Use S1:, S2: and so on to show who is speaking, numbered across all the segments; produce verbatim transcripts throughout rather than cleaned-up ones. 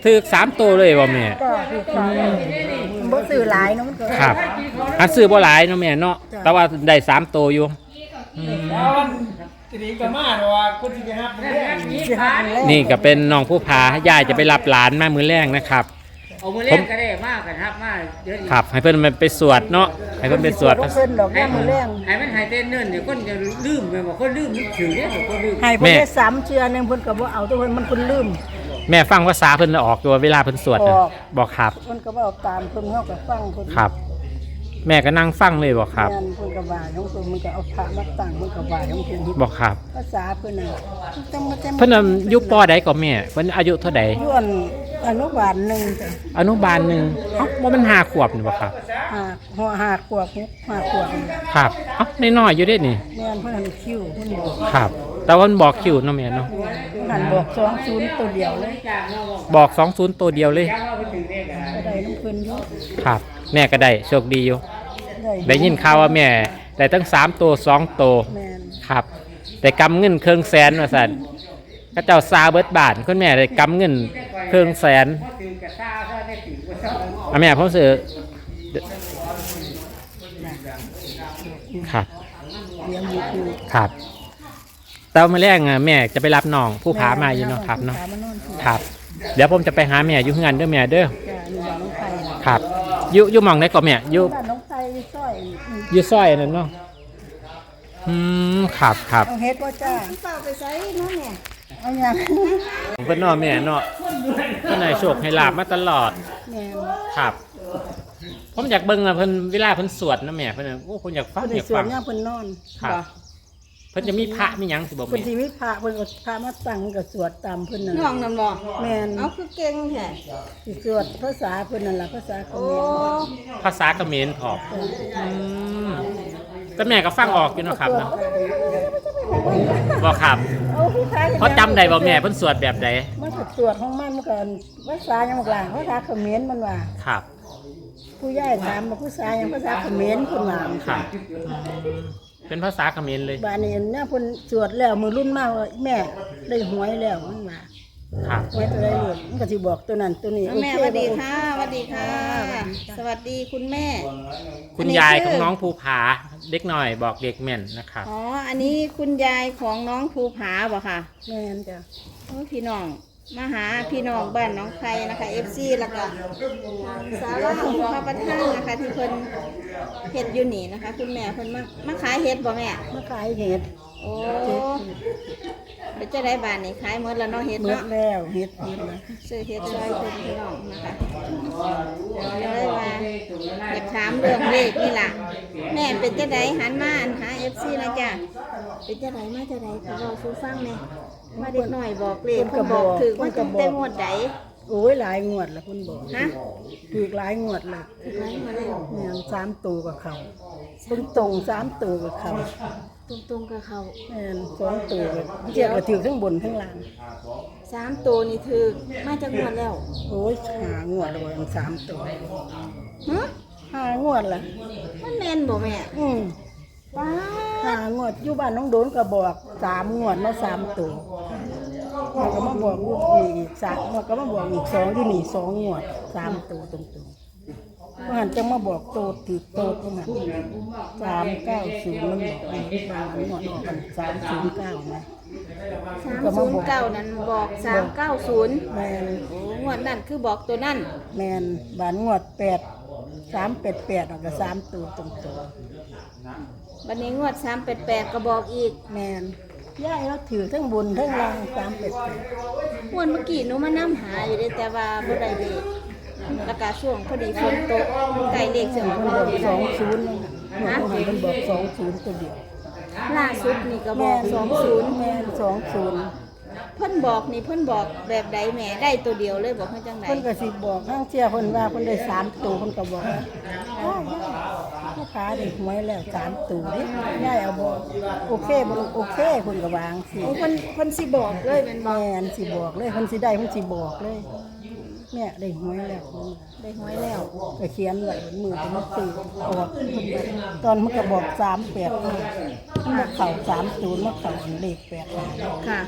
S1: ถือสามตัวเลยบ่แม่
S2: ก็คือบ่ซื้อหลายเนาะมันก็
S1: ครับอันซื้อบ่หลายเนาะแม่เนาะแต่ว่าได้สามตัวอยู่
S3: ทีนี้ก็มาเนาะคนที่ไปหามื้อแรง
S1: นี่ก็เป็นน้องผู้พายายจะไปรับหลานมามื้อแรกนะครับ
S4: เอามือเล่นก็ได้มากกันครับมากเยอะ
S1: ครับให้เพิ่นไปสวดเนาะให้เพิ่นไปสวด
S2: เพิ่นดอกย่ามือแรง
S4: ให้มันหายเต้นเนิ่นเดี๋ยวคนจะลืมไปบอกคนลืมนึกถึงเนี่ยคนลืม
S2: ให้เพิ่นได้สามเชือนึงเพิ่นก็บ่เอาตัวเพิ่นมันเพิ่นลืม
S1: แม่ฟังภาษาเพิ่นออกตัวเวลาเพิ่นสวดนะบอกครับ
S2: เพิ่นก็บ่เอาตามเพิ่นเฮาก็ฟังเพิ่น
S1: ครับแม่ก็นั่งฟังเลยบอกครับ
S2: เพิ่นก็ว่าของเพิ่นมันก็เอาพระมาตั้งเพิ่นก็ว่าของเพิ่น
S1: บอกครับ
S2: ภาษาเพิ่นน่ะ
S1: เพิ่นอายุปอใดก็แม่เพิ่นอายุเท่าใด
S2: ย้วนอนุบาลหนึ่งจ้ะ
S1: อนุบาลหนึ่งเอ้าว่ามันห้าขวบนี่บ่ครับ
S2: ห้าหัวห้าขวบห้าขวบ
S1: ครับเอ้าน้อยๆอยู่เด้นี่
S2: แม่นเพิ่นหันคิวเพิ่นบอก
S1: ครับแต่ว่ามันบอกคิวเนาะแม่เนาะ
S2: หันบอกสองศูนย์ตัวเดียวเลย
S1: บอกสองศูนย์ตัวเดียวเลย
S2: ก็ได้น้ำเพิ่นอยู่
S1: ครับแม่ก็ได้โชคดีอยู่ได้ยินข่าวว่าแม่ได้ตั้งสามตัวสองตัวครับแต่กำเงินเครื่องแสนว่าซั่นก็เจ้าซาเบิดบาทคุณแม่ได้กำเงินเครื่องแสนอ่ะแม่ผมซื้อครับครับแต่เมื่อแรกแม่จะไปรับน้องผู้พามาอยู่เนาะครับเนาะครับเดี๋ยวผมจะไปหาแม่อยู่งานเด้อแม่เด้อครับอยู่อยู่มองไหนก่อนแม่อยู่อยู่ซอยนั่นเนาะอืมครับครับ
S2: เอาเฮ็ดว่าจ้าเปล่าไปใส่เนาะแม่เอาอย่าง
S1: ผมเป็นน้อแม่เนาะเพิ่นให้โชคให้ลาบมาตลอด
S2: แม่
S1: ครับผมอยากเบิ่งอะเพิ่นเวลาเพิ่นสวดนะแม่เพิ่นโอ้ผมอยากฟังอยากฟัง
S2: เพิ่นนอน
S1: ครับเพิ่นจะมีพระมีหยังสิบ่แม่
S2: เพิ่นสิมีพระเพิ่นก็พระมาตั้งก็สวดตามเพิ่นนั่น
S5: น้องนั่นบ่
S2: แม่น
S5: เอาคือเก่งแท้
S2: สิสวดภาษาเพิ่นนั่นล่ะภาษาเขมร
S1: ภาษาเขมรพออืมแต่แม่ก็ฟังออกอยู่เนาะครับเนาะบ่ครับเพราะจำได้บ่แม่เพิ่นสวดแบบใด
S2: มันก็สวดของมันมันก็ภาษาหยังบักหลางภาษาเขมรมันว่า
S1: ครับ
S2: ผู้ใหญ่ถามว่าภาษาหยังภาษาเขมรเพิ่นว่า
S1: ครับเป็นภาษาเขมรเลย
S2: บ้านนี้เนี่ยเพิ่นสวดแล้วมื้อรุ่นมาว่าแม่ได้หวยแล้วมันว่า
S1: ครับ
S2: หวยตัวใดลูกมันก็สิบอกตัวนั้นตัวนี้
S5: แม่สวัสดีค่ะสวัสดีค่ะสวัสดีคุณแม่
S1: คุณยายของน้องภูผาเด็กหน่อยบอกเด็กแม่นนะครับ
S5: อ๋ออันนี้คุณยายของน้องภูผาบ่ค่ะ
S2: แม่นจ้ะ
S5: โอ้พี่น้องมาหาพี่น้องบ้านน้องไข่นะคะ เอฟ ซี แล้วก็สาวของพระประธานนะคะที่เพิ่นเฮ็ดอยู่นี่นะคะคุณแม่เพิ่นมามาขายเฮ็ดบ่แม่
S2: มาขายเฮ็ด
S5: โอ้เป็นจะได้บ้านนี่ขายหมดแล้วเนาะเฮ็ด
S2: เนาะหมดแล้วเฮ็ดหมดแล้ว
S5: ซื้อเฮ็ดซอยเพิ่นพี่น้องนะคะเลยว่าอยากถามเรื่องเลขนี่ล่ะแม่เป็นจะได้หันมาหา เอฟ ซี นะจ้ะเป็นจะได้มาจะได้ขอบอกสู่ฟังแม่มาเด็กหน่อยบอกเลขเพิ่นบอกถือว่าจะได้งวดใด
S2: โอ้ยหลายงวดแล้วเพิ่นบอก
S5: ฮะ
S2: ถูกหลายงวดแล้ว
S5: ถูกหลายงวดแล้ว
S2: แม่นสามตัวกับเขาเพิ่นตรงสามตัวกับเขา
S5: ตรงๆกับเขา
S2: แม่นสองตัวก็เทียบกับถือทั้งบนทั้งล่าง
S5: สามตัวนี่ถือมาจากงวดแล้ว
S2: โอ้ยหางวดแล้วสามตัว
S5: ฮะ
S2: หางวดล่ะ
S5: มันแม่นบ่แม่
S2: อืม
S5: ว้า
S2: หางวดอยู่บ้านน้องโดนก็บอกสามงวดมาสามตัวมันก็มาบอกอยู่นี่อีกสามมันก็มาบอกอีกสองอยู่นี่สองงวดสามตัวตรงๆมันจะมาบอกโตติดโตตรงนั้นสามเก้าศูนย์มันบอกในบ้านงวดออกกันสามศูนย์เก้าไหม
S5: สามศูนย์เก้านั้นบอกสามเก้าศูนย์
S2: แมน
S5: โอ้งวดนั่นคือบอกตัวนั่น
S2: แมนบ้านงวดแปดสามแปดแปดออกกับสามตัวตรง
S5: ๆวันนี้งวดสามแปดแปดก็บอกอีก
S2: แมนย่ายเราถือทั้งบนทั้งล่างสามแปดแปด
S5: งวดเมื่อกี้หนูมานั่งหาอยู่ได้แต่ว่าบ่ได้เลขราคาช่วงพอดีฝนตกไก่เลขเสียง
S2: คนบอกสองศูนย์นะหัวคนบอกสองศูนย์ตัวเดียว
S5: ล่าสุดนี่ก็บอกสองศูนย์
S2: แม่สองศูนย์
S5: เพิ่นบอกนี่เพิ่นบอกแบบใดแม่ได้ตัวเดียวเลยบอกเพิ่นจังได๋
S2: เพิ่นก็สิบอกข้างเชี่ยเพิ่นว่าเพิ่นได้สามตัวเพิ่นก็บอกลูกค้าได้หวยแล้วสามตัวนี่ย่ายเอาบอกโอเคบ่โอเคเพิ่นก็วางสิ
S5: เพิ่นเพิ่นสิบอกเลยแม่นบ่
S2: แม่นสิบอกเลยเพิ่นสิได้เพิ่นสิบอกเลยแม่ได้หวยแล้ว
S5: ได้หวยแล้ว
S2: ก็เขียนไว้มือเป็นตีออกตอนมันก็บอกสามแปดมันมาเข่าสามศูนย์มาเข่าเลขแปด
S5: ค่ะ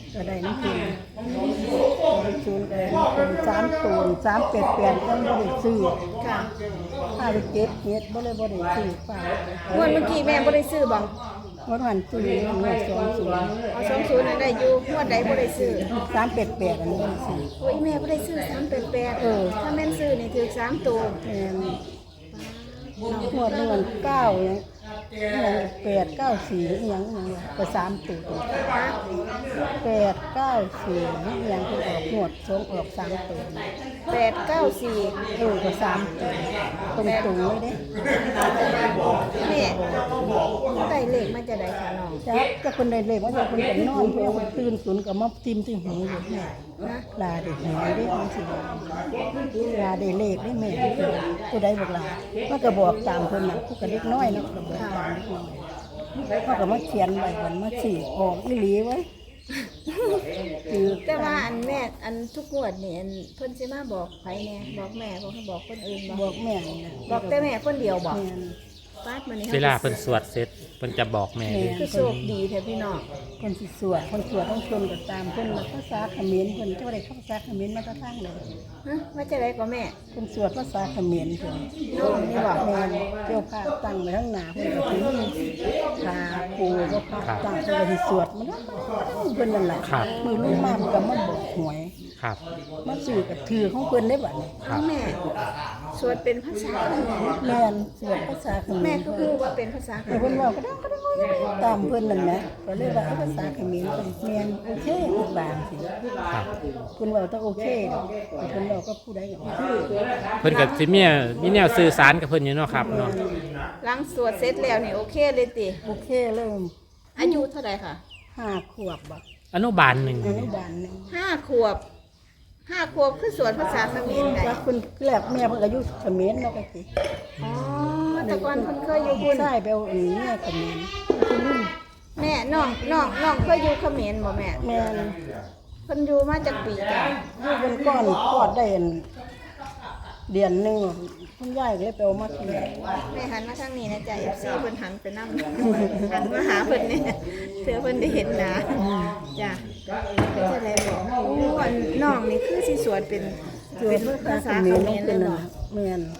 S2: ก็ได้น้ำกินศูนย์ก็ได้น้ำกินสามตูนสามเป็ดแปดก็ไม่ได้ซื้อ
S5: ค่ะ
S2: ห้าไปเก็บเฮ็ดบ่เลยบ่ได้ซื้อฝาก
S5: งวดเมื่อกี้แม่บ่ได้ซื้อบ่
S2: งวดหันซื้อหวดสองศูนย์
S5: เอาสองศูนย์นั่นได้อยู่งวดใดบ่ได้ซื้อ
S2: สามเป็ดแปดอันนี้บ่ได้ซื้อ
S5: โอ้ยแม่บ่ได้ซื้อสามแปดแปด
S2: เออ
S5: ถ้าแม่นซื้อนี่ถือสามตัว
S2: แม่นงวดนึงมันเก้าหยังหยังแปดเก้าสี่อีหยังอีหยังวะก็สามตัว
S5: ฮะ
S2: แปดเก้าสี่อีหยังคือออกงวดสองออกสามตัว
S5: แปดเก้าสี่
S2: เออก็สามตัวตรงๆเลยเด้
S5: แม่ได้เลขมาจะได้ค่ะน้อง
S2: จักก็คนใดเลยว่าจะคนก็นอนเพิ่นก็ตื่นสุนก็มาติมที่หูอยู่แม่
S5: นะ
S2: ลาได้หวยได้จังซี่ลาได้เลขได้แม่ผู้ใดบอกลามันก็บอกตามเพิ่นน่ะผู้ก็เล็กน้อยเนาะก็บอกตามเล็กน้อยเขาก็มาเขียนไว้มันมาสิออกอีหลีไว้คือ
S5: แต่ว่าอันแม่อันทุกงวดนี่อันเพิ่นสิมาบอกไผแน่บอกแม่บอกให้บอกคนอื่น
S2: บบ
S5: อ
S2: อก กแม่นี่นะ
S5: บอกแต่แม่คนเดียวบอก
S2: แม่น
S5: ปาดมานี่
S1: เวลาเพิ่นสวดเสร็จเพิ่นจะบอกแม่เลย
S5: คือโชคดีแท้พี่น้อง
S2: คนสิสวดคนสวดต้องชนก็ตามเพิ่นมาภาษาเขมรเพิ่นเจ้าได้ภาษาเขมรมาแตะทางเลย
S5: ฮะว่าจะได้ก็แม่
S2: คนสวดภาษาเขมรเพิ่นนี่บอกแม่นเกี่ยวผ้าตั้งไว้ข้างหน้าเพิ่นก็ถือผ้าปูก็ผ้าตั้งเพิ่นก็สิสวดมันเพิ่นนั่นแหละมือลูกมามันก็มาบอกหวย
S1: ครับ
S2: มาสื่อกับถือของเพิ่นได้บัดนี้
S1: ครับ
S5: แม่สวดเป็นภาษาเขมร
S2: แม่นสวดภาษาเขมร
S5: แม่ก็คือว่าเป็นภาษาเข
S2: แต่
S5: ม
S2: เพิ่น
S5: ร
S2: เว้าก็ได้ก็ได้ตามเพิ่นนั่นนะก็เลยว่าภาษาเขมรเพิ่นแม่นโอเคอีกบางสิ
S1: ครับ
S2: เพิ่นเว้าต้องโอเคดอกเพิ่นเว้าก็ผู้ใดก็โอเค
S1: เพิ่นก็สิมีมีแนวสื่อสารกับเพิ่นอยู่เนาะครับเนาะ
S5: หลังสวดเสร็จแล้วนี่โอเคเลยติ
S2: โอเคเริ่ม
S5: อายุเท่าไหร่ค่ะ
S2: ห้าขวบบ่
S1: อนุบาลหนึ่ง
S2: อนุบาลหนึง
S5: ห้าขวบห้าขวบคือสวดภาษาเขมรได้
S2: ว่าคุณแรกแม่เพิ่นก็อยู่เขมรเนาะก็สิ
S5: อ๋อแต่ก่อนเพิ่นเคยอยู่บุญ
S2: ใช่ไปเอาอันนี้แม่เขมรคุณลุง
S5: แม่น้องน้องน้องเคยอยู่เขมรบ่แม่
S2: แม่น
S5: เพิ่นอยู่มาจากปีจ้ะ
S2: อยู่เป็นก้อนกอดได้อันเดือนหนึงคุณยายก็เลยไปเอามาที่นี่
S5: แม่หันมาทางนี้นะจ๊ะ เอฟ ซี เพิ่นหันไปนำ หันมาหาเพิ่นเนี่ยเถือเพิ่นได้เห็นหน้าจ้ะเป็นจะได้บอกโอ้อันน้องนี่คือสิสวดเป็น
S2: สว
S5: เป็
S2: ด
S5: น
S2: ภา
S5: ภา
S2: ษา
S5: ษา
S2: เข
S5: เข
S2: มร
S5: ม
S2: น้อง
S5: ร
S2: เป็
S5: เล
S2: น
S5: ย
S2: น่ะ
S5: เนาะ
S2: แม่น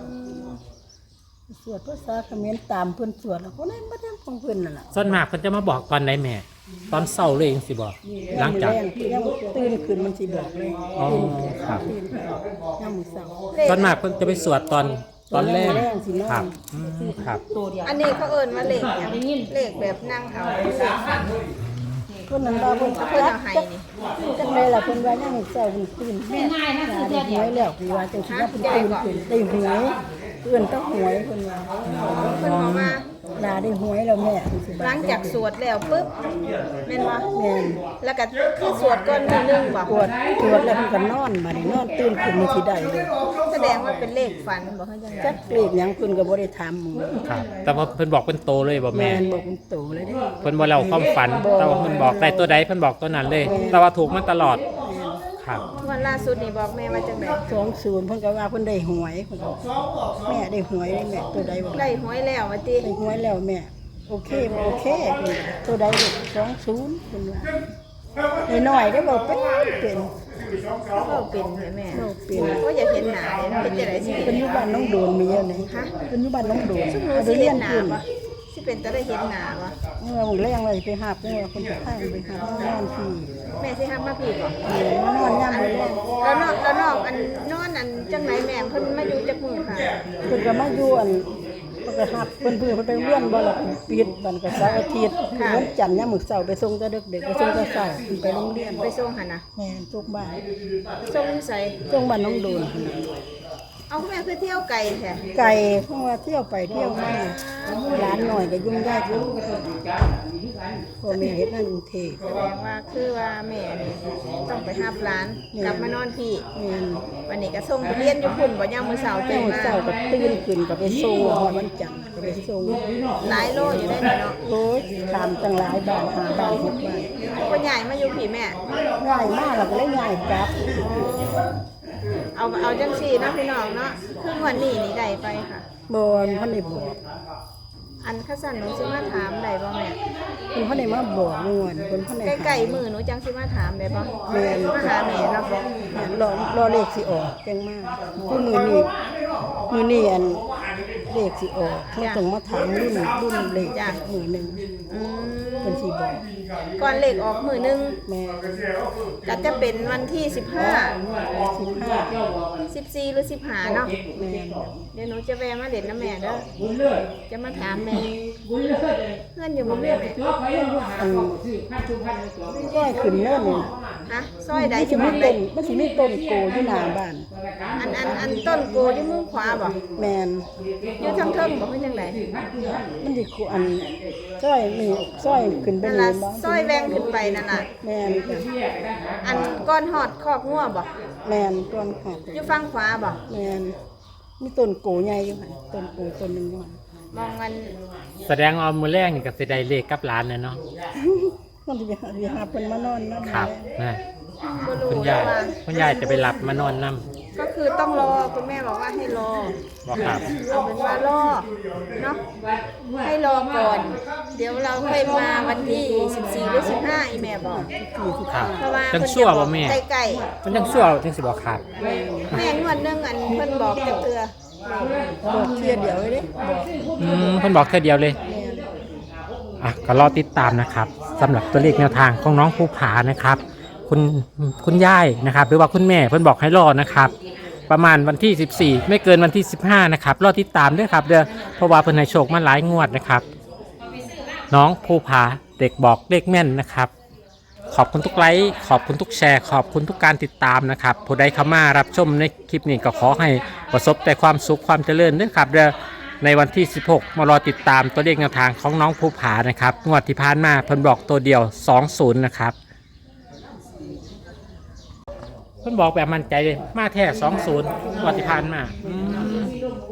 S2: สวดภาษาเขมรตามเพิ่นสวดแล้วคนนั้นบ่ได้ของเพิ่นนั่นล่ะ
S1: ส่วนมากเพิ่นจะมาบอกตอนใดแม่ ตอนเช้าเลยจังสิบอกหลังจาก
S2: แรงที่ยังตื่นขึ้นมันสิบอกเลย
S1: อ๋อ
S2: ตื่นขึ้น
S1: ครับ
S2: ตื่นขึ้นยามมื้อเช้า
S1: ส่วนมากเพิ่นจะไปสวดตอนตอนแรก
S2: แรงสินอน
S1: ครับอืมครับ
S5: อันนี้เขาเอิ้นว่าเลขหยังเลขแบบนั่งเอาเลขฝัน
S2: คนนั้นว่าเพิ่น
S5: เพิ่นเอาให้นี่
S2: จังได๋ล่ะเพิ่นว่ายังเช้าเพิ่นตื่นแม่ง่ายนะคือได้หวยแล้วคือว่าจังซี่ว่าเพิ่นตื่นขึ้นได้หวยเอื้อนต้องหวยเพิ่นว่า
S5: เพิ่นบอกมา
S2: ลาได้หวยแล้วแม่สิ
S5: หลังจากสวดแล้วปุ๊บแม่นบ่
S2: แม่น
S5: แล้วก็คือสวดก่อนมื้อนึงบ่
S2: ปวดปวดแล้วเพิ่นก็นอนมานี่นอนตื่นขึ้นนี่สิได้เลย
S5: แสดงว่าเป็นเลขฝันบ่เขาจังได๋
S2: จักเลขหยังเพิ่นก็บ่ได้ถามหมู่
S1: ครับ แต่ว่าเพิ่นบอกเป็นโตเลยบ่
S2: แม่
S1: แม่
S2: นบอกเป็นโตเลยเด้
S1: เพิ่นบ่เล่าความฝัน แต่ว่าเพิ่นบอกได้ตัวใดเพิ่นบอกตัวนั้นเลย แต่ว่าถูกมาตลอด ครับ
S5: วันล่าสุดนี่บอกแม่ว่าจังได๋
S2: สองศูนย์เพิ่นก็ว่าเพิ่นได้หวยเพิ่นก็แม่ได้หวยได้แม่ตัวใดบ่
S5: ได้หวยแล้วว่าติ
S2: ได้หวยแล้วแม่โอเคบ่โอเคเพิ่นว่าตัวใดลูกสองศูนย์เพิ่นว่าได้น้อยได้บ่เป็นเป็น
S5: เขาเป็นใช่แม่
S2: บ่เป็น
S5: ก็อยากเห็นหน้าเลยเป็นจังได๋สิ
S2: เพิ่นอยู่บ้านน้องโดนมีอยู่นี่ฮะเพิ่นอยู่บ้านน้องโดน
S5: ซึ่งหนู
S2: เอา
S5: สิ
S2: ไปเรี
S5: เห็
S2: ย
S5: น
S2: น
S5: หน้า
S2: ขึ้น
S5: บ่สิเป็นตาได้เห็นหน้าบ่
S2: เมื่อมื้อแรงเลยไปหาบเมื่อเพิ่นไปทางไปหาบนอนที่
S5: แม่สิหักมาพี่บ่
S2: เออมานอนยามมื้อแรง
S5: แล้วนอกแล้วนอกอันนอนอันจังไหนแม่เพิ่นมาอยู่จักมื้อค่ะ
S2: เพิ่นก็มาอยู่อันเพิ่นก็หับเพิ่นเพิ่นเพิ่นไปเรียนบ่ล่ะปิดบันก็เสาร์อาทิตย์วันจันทร์ยามมื้อเช้าไปส่งแต่ดึกๆไปส่งแต่เช้าเพิ่นไปโรงเรียน
S5: ไปส่งหั่นน่ะ
S2: แม่นทุกบ้าน
S5: ส่งอยู่ไส
S2: ส่งบ้านน้องโดน
S5: เอาแม่คือเที่ยวไกลแท้
S2: ไก่เพราะว่าเที่ยวไปเที่ยวมาร้านหน่อยก็ยุ่งยากอยู่พ่อแม่เฮ็ดงานกรุงเทพ
S5: แสดงว่าคือว่าแม่นี่ต้องไปรับหลานกลับมานอนพี่
S2: แม่น
S5: วันนี้ก็ส่งไปเรียนอยู่พุ่นบ่ยามมื้อเช้า
S2: เจ้า
S5: ตื่นมา
S2: เจ้าก็ตื่นขึ้นก็ไปส่งฮอดวันจันทร์ก็ไปส่ง
S5: หลายโลอยู่ได้นี่เนาะ
S2: โอ้ยถามตั้งหลายบ้านหาบ้านหกบ้าน
S5: คนใหญ่มาอยู่พี่แม่
S2: ง่ายมากเราก็เลยง่ายกลับ
S5: เอาเอาจังซี่เนาะพี่น้องเนาะคืองวันนี้นี่ได้ไปค่ะ
S2: บนพันได้บอก
S5: อันข้าสันหนูสิมาถามได้บ่แม่
S2: เพิ่นเขาได้มาบอกงวดเพิ่นเขาได้
S5: ใกล้ๆมือหนูจังสิมาถามได้บ่
S2: แม่น
S5: มาหาแม่เนาะ
S2: แม่นรอรอเลขสิออกจังมากคือมือนี้มือนี้อันเลขสิออกเขาต้องมาถามรุ่นรุ่นเลขมือหนึง
S5: อืม
S2: เพิ่นสิบอก
S5: ก่อนเลขออกมือหนึง
S2: แม่
S5: ก็จะเป็นวันที่สิบห้า
S2: สิบห้า
S5: สิบสี่หรือสิบห้าเนาะ
S2: แม่น
S5: เดี๋ยวหนูจะแวะมาเด่นนะแม่เด้อจะมาถามแม่เพื่อนอยู่บ่แม่แม่
S2: อันก้อยขึ้นเนินนี่
S5: ฮะซอยใด
S2: มันสิ
S5: จะ
S2: มี
S5: มา
S2: ต้นมันสิมีต้นโกอยู่หน้าบ้าน
S5: อันอันอันต้นโกอยู่มือขวาบ่
S2: แม่น
S5: อยู่ทางเทิงบ่เป็นจังได
S2: มันสิคูอันซอยนี่ซอยขึ้นไป
S5: นั่น
S2: นี่
S5: ล่ะ
S2: บ่
S5: ซอยแวงขึ้นไปนั่นน่ะ
S2: แม่นจ้ะ
S5: อันก้อนหอดคอกงัวบ่
S2: แม่นต้นหอด
S5: อยู่ฝั่งขวาบ่
S2: แม่นมีต้นโกใหญ่อยู่หั่นต้นโกต้นหนึงอยู่หั่น
S5: มองกัน
S1: แสดงเอามือแรกนี่กับสิได้เลขกับร้านนะเนาะ
S2: มันสิไปหาสิหาเพิ่นมานอนนำ
S1: ครับนะ
S5: บ่รู้
S1: คุณ
S5: เลย
S1: ยาย
S5: ว่า
S1: คุณยายจะไปรับมานอนนํ
S5: ก็คือต้องรอคุณแม่บอกว่าให้รอ
S1: บอกครับ
S5: เอาเป็นว่ารอเนาะให้รอก่อน เดี๋ยวเราค่อยมาวันที่สิบสี่หรือสิบห้าอีแม่บอก
S1: ครับ
S5: เพราะว่า
S1: จัง
S5: เพิ่น
S1: ชั่ว
S5: จะบ
S1: บ่
S5: อก
S1: แม่
S5: ใกล้
S1: มันจังชั่วจังสิบอกครับ
S5: ๆแม่งวดหนึงอันเพิ่นบอกจักเทื่อ
S2: บอกเที่ยเดียวเลยเด้บอก
S1: อืมเพิ่นบอกแค่เดียวเลย
S2: แม่น
S1: อ่ะก็รอติดตามนะครับสำหรับตัวเลขแนวทางของน้องภูผานะครับ คุณคุณยายนะครับ หรือว่าคุณแม่เพิ่นบอกให้รอนะครับ ประมาณวันที่สิบสี่ไม่เกินวันที่สิบห้านะครับรอติดตามด้วยครับเด้อเพราะว่าเพิ่นให้โชคมาหลายงวดนะครับ น้องภูผาเด็กบอกเลขแม่นนะครับ ขอบคุณทุกไลค์ขอบคุณทุกแชร์ ขอบคุณทุกการติดตามนะครับผู้ใดเข้ามารับชมในคลิปนี้ก็ขอให้ประสบแต่ความสุขความเจริญด้วยครับเด้อในวันที่สิบหกมารอติดตามตัวเลขแนวทางของน้องภูผานะครับงวดที่ผ่านมาเพิ่นบอกตัวเดียวสองศูนย์นะครับเพิ่นบอกแบบมั่นใจเลยมาแท้สองศูนย์งวดที่ผ่านมาอืม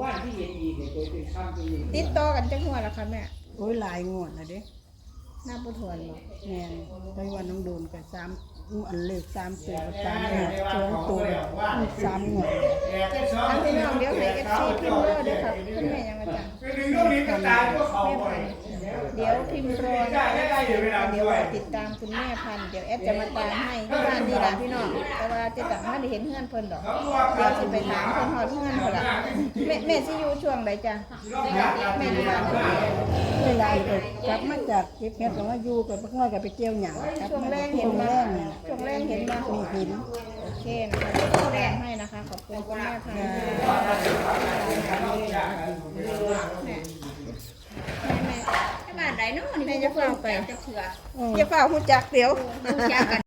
S5: ติดต่อกันจักหัวแล้วค่ะแม่
S2: โอ้ยหลายงวดแล้วเด้
S5: นับบ่ถ้วนบ่
S2: แม่นไปวันน้องโดนก็สามอันเลขสามตัวสามงวดสองตัวมีสามงวด
S5: ทั้งพี่น้องเดี๋ยวให้ เอฟ ซี พิมพ์รอเด้อครับคุณแม่ยังอาจารย์แม่พันธุ์เดี๋ยวพิมพ์รอนะคะเดี๋ยวรอติดตามคุณแม่พันธุ์เดี๋ยวแอดจะมาตามให้ที่บ้านนี่ล่ะพี่น้องแต่ว่าจะต่างมาได้เห็นเฮือนเพิ่นดอกเดี๋ยวสิไปถามเพิ่นฮอดเฮือนเพิ่นล่ะแม่แม่สิอยู่ช่วงใดจ้ะแม่อยู่บ้านเพิ่น
S2: เวลาก็กลับมาจากเก็บเห็ดก็มาอยู่กับพ่อก็ไปเกี่ยวหยังกลับ
S5: ช่วง
S2: มา
S5: แรกเห็น
S2: ช่วง
S5: มา
S2: แรกเนี่ย
S5: ช่วงแรกเห็นมา
S2: มีหิน
S5: โอเคนะคะเดี๋ยวจะแรงให้นะคะขอบคุณคุณแม่พันธุ์แม่แม่แม่บ้านใดเนาะนี่แม่จะเฝ้าไปจะเถื่อจะเฝ้าฮู้จักเดี๋ยวฮู้จักกัน